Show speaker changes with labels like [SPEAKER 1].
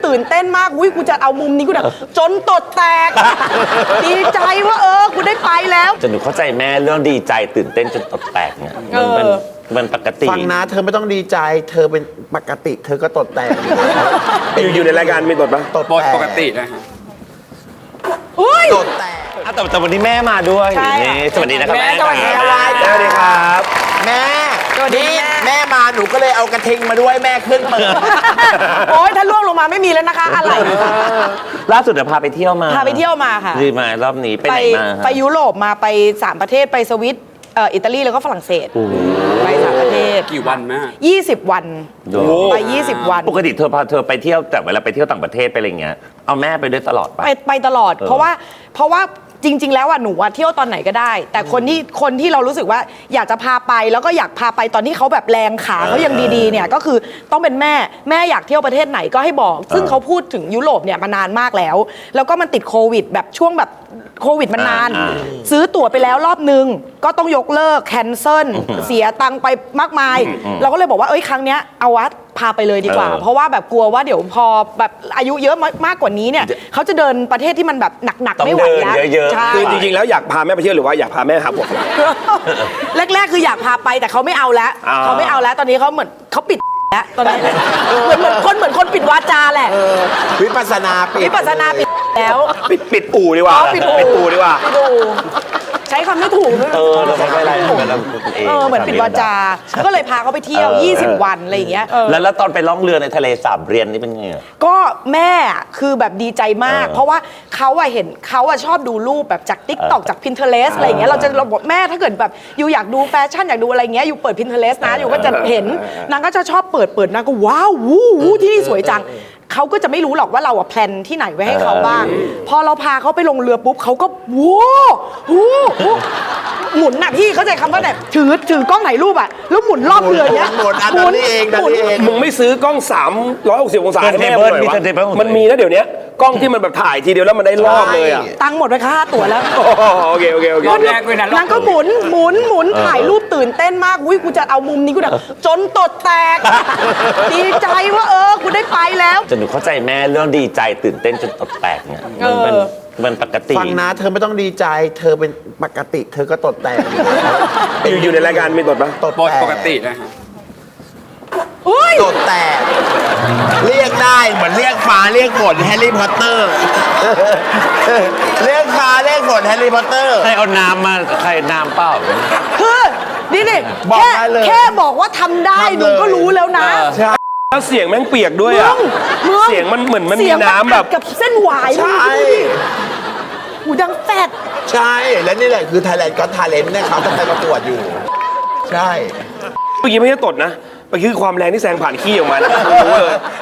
[SPEAKER 1] ตื่นเต้นมากอุ้ยกูจะเอามุมนี้กูแบบจนตดแตก ดีใจว่ากูได้ไปแล้ว
[SPEAKER 2] จนหนูเข้าใจแม่เรื่องดีใจตื่นเต้นจนตดแตกเนี่ยมันปกติ
[SPEAKER 3] ฟังนะเธอไม่ต้องดีใจเธอเป็นปกติเธอก็ตดแตก
[SPEAKER 4] อยู่ในรายการมีตดปะ
[SPEAKER 3] ตดแตก
[SPEAKER 4] ปกตินะฮะ
[SPEAKER 3] ตดแตก
[SPEAKER 2] แต่วันนี้แม่มาด้วย
[SPEAKER 1] ใช่
[SPEAKER 2] นี่สวัสดีนะครับแม่
[SPEAKER 1] สวัสดี
[SPEAKER 2] ค
[SPEAKER 1] ครั
[SPEAKER 2] รับ บ
[SPEAKER 4] สวัสดีครับ
[SPEAKER 3] แม่
[SPEAKER 1] สวัสดี
[SPEAKER 3] นี่แม่มาหนูก็เลยเอากระทิงมาด้วยแม่ขึ้นเปิด
[SPEAKER 1] โอ๊ยถ้าล่วงลงมาไม่มีแล้วนะคะอะไร
[SPEAKER 2] ล่าสุดเดี๋ยวพาไปเที่ยวมา
[SPEAKER 1] พาไปเที่ยวมาค่ะ
[SPEAKER 2] ดีมารอบนี้ไปไหนมา
[SPEAKER 1] ไปยุโรปมาไป3ประเทศไปสวิตอิตาลีแล้วก็ฝรั่งเศสไป3ประเทศ
[SPEAKER 4] กี่วันแม่
[SPEAKER 1] 20 วัน
[SPEAKER 2] โอ้
[SPEAKER 1] ไป20 วัน
[SPEAKER 2] ปกติเธอไปเที่ยวแต่เวลาไปเที่ยวต่างประเทศไปอะไรเงี้ยเอาแม่ไปด้วยตลอดปะ
[SPEAKER 1] ไปตลอด เพราะว่าจริง ๆ แล้วหนูเที่ยวตอนไหนก็ได้ แต่คนที่เรารู้สึกว่าอยากจะพาไปแล้วก็อยากพาไปตอนที่เขาแบบแรงขาเขายังดีๆเนี่ยก็คือต้องเป็นแม่อยากเที่ยวประเทศไหนก็ให้บอก ซึ่งเขาพูดถึงยุโรปเนี่ยมานานมากแล้วก็มันติดโควิดแบบช่วงแบบโควิดมันนาน ซื้อตั๋วไปแล้วรอบนึงก็ต้องยกเลิกแคนเซิลเสียตังค์ไปมากมาย เราก็เลยบอกว่าครั้งเนี้ยเอาวัดพาไปเลยดีกว่า เพราะว่าแบบกลัวว่าเดี๋ยวพอแบบอายุเยอะมากกว่านี้เนี่ยเขาจะเดินประเทศที่มันแบบหนักๆไม่ไหวแล้ว
[SPEAKER 2] ต้องเดินเยอะๆ
[SPEAKER 1] ใช่
[SPEAKER 4] คือจริงๆแล้วอยากพาแม่ไปเที่ยวหรือว่าอยากพาแม่หาผม
[SPEAKER 1] แรกๆคืออยากพาไปแต่เขาไม่เอาแล้ว
[SPEAKER 4] อ่า
[SPEAKER 1] เขาไม่เอาแล้วตอนนี้เขาเหมือนเขาปิดแล้วตอนนี้เหมือนคนปิดวาจาแหละ
[SPEAKER 3] วิปัสสนาปิด
[SPEAKER 1] วิปัสสนาปิดแล้ว
[SPEAKER 4] ปิดอู่ดีกว่า
[SPEAKER 1] ปิดอู่
[SPEAKER 4] อู่ดีกว่า
[SPEAKER 1] ปิดอู่ใช้คำไม่ถูกด้วย
[SPEAKER 2] เราไม่เป็นไรเหมือนกัน
[SPEAKER 1] เหมือนปิดวาจา ก็เลยพาเขาไปเที่ยว 20 วันอะไรอย่างเงี้ย
[SPEAKER 2] แล้วตอนไปล่องเรือในทะเลสาบเรียนนี่เป็นไงอะ
[SPEAKER 1] ก็แม่คือแบบดีใจมาก เพราะว่าเขาเห็นเขาชอบดูรูปแบบจาก TikTok จาก Pinterest อะไรอย่างเงี้ยเราบอกแม่ถ้าเกิดแบบอยู่อยากดูแฟชั่นอยากดูอะไรเงี้ยอยู่เปิด Pinterest นะอยู่ก็จะเห็นนางก็จะชอบเปิดนางก็ว้าววู้ที่นี่สวยจังเขาก็จะไม่รู้หรอกว่าเราแพลนที่ไหนไว้ให้เขาบ้างพอเราพาเขาไปลงเรือปุ๊บเขาก็ว้าวหมุนน่ะพี่เข้าใจคำว่าแบบถือกล้องถ่ายรูปอะแล้วหมุนรอบเรือเนี้ย
[SPEAKER 3] หมุนอันนี้เองดันนี้เอง
[SPEAKER 4] มึงไม่ซื้อกล้อง 360 องศาให้แม่
[SPEAKER 2] เบิร์ด
[SPEAKER 4] หน่อยวะ
[SPEAKER 2] มีเทเบิล
[SPEAKER 4] มันมีนะเดี๋ยวนี้กล้องที่มันแบบถ่ายทีเดียวแล้วมันได้รอบเลยอ่ะ
[SPEAKER 1] ตังค์หมดไปค่าตั๋วแล้ว
[SPEAKER 4] โอเค
[SPEAKER 1] รอบแรกเลยนะนางก็หมุนถ่ายรูปตื่นเต้นมากอุ้ยกูจะเอามุมนี้กูแบบจนตดแตก ดีใจว่ากูได้ไปแล้ว
[SPEAKER 2] จนหนูเข้าใจแม่เรื่องดีใจตื่นเต้นจนตดแตกเนี่ยมันปกติ
[SPEAKER 3] ฟังนะเธอไม่ต้องดีใจเธอเป็นปกติเธอก็ตดแตก
[SPEAKER 4] อยู่ในรายการมีตดปะ
[SPEAKER 3] ตดแตก
[SPEAKER 4] ปกตินะฮะ
[SPEAKER 3] ตดแตกเรียกได้เหมือนเรียกฟ้าเรียกฝนแฮร์รี่พอตเตอร์ เรียกฟ้าเรียกฝนแฮร์รี่พอตเตอร์
[SPEAKER 2] ใครเอาน้ำมาใครน้ำเปล่า
[SPEAKER 1] คือนี่
[SPEAKER 3] บอกได้เลย
[SPEAKER 1] แค่บอกว่าทำได้
[SPEAKER 3] ทำเลย
[SPEAKER 1] หนูก็รู้แล้วนะ
[SPEAKER 3] ใช่
[SPEAKER 4] แล้วเสียงแม่งเปียกด้วยอ่ะ
[SPEAKER 1] มึง
[SPEAKER 4] เสียงมันเหมือนมันมี
[SPEAKER 1] เสียง
[SPEAKER 4] น้ำแบบ
[SPEAKER 1] อัดกับเส้นหวาย
[SPEAKER 3] ใช่
[SPEAKER 1] หูดังแฟด
[SPEAKER 3] ใช่และนี่แหละคือ Thailand Got Talent เนี่ยเขาจะไปประกวดอยู่ ใช่
[SPEAKER 4] เมื่อกี้ไม่ใช่ตดนะเมื่อกี้คือความแรงที่แซงผ่านขี้ออกมานะรู้เลย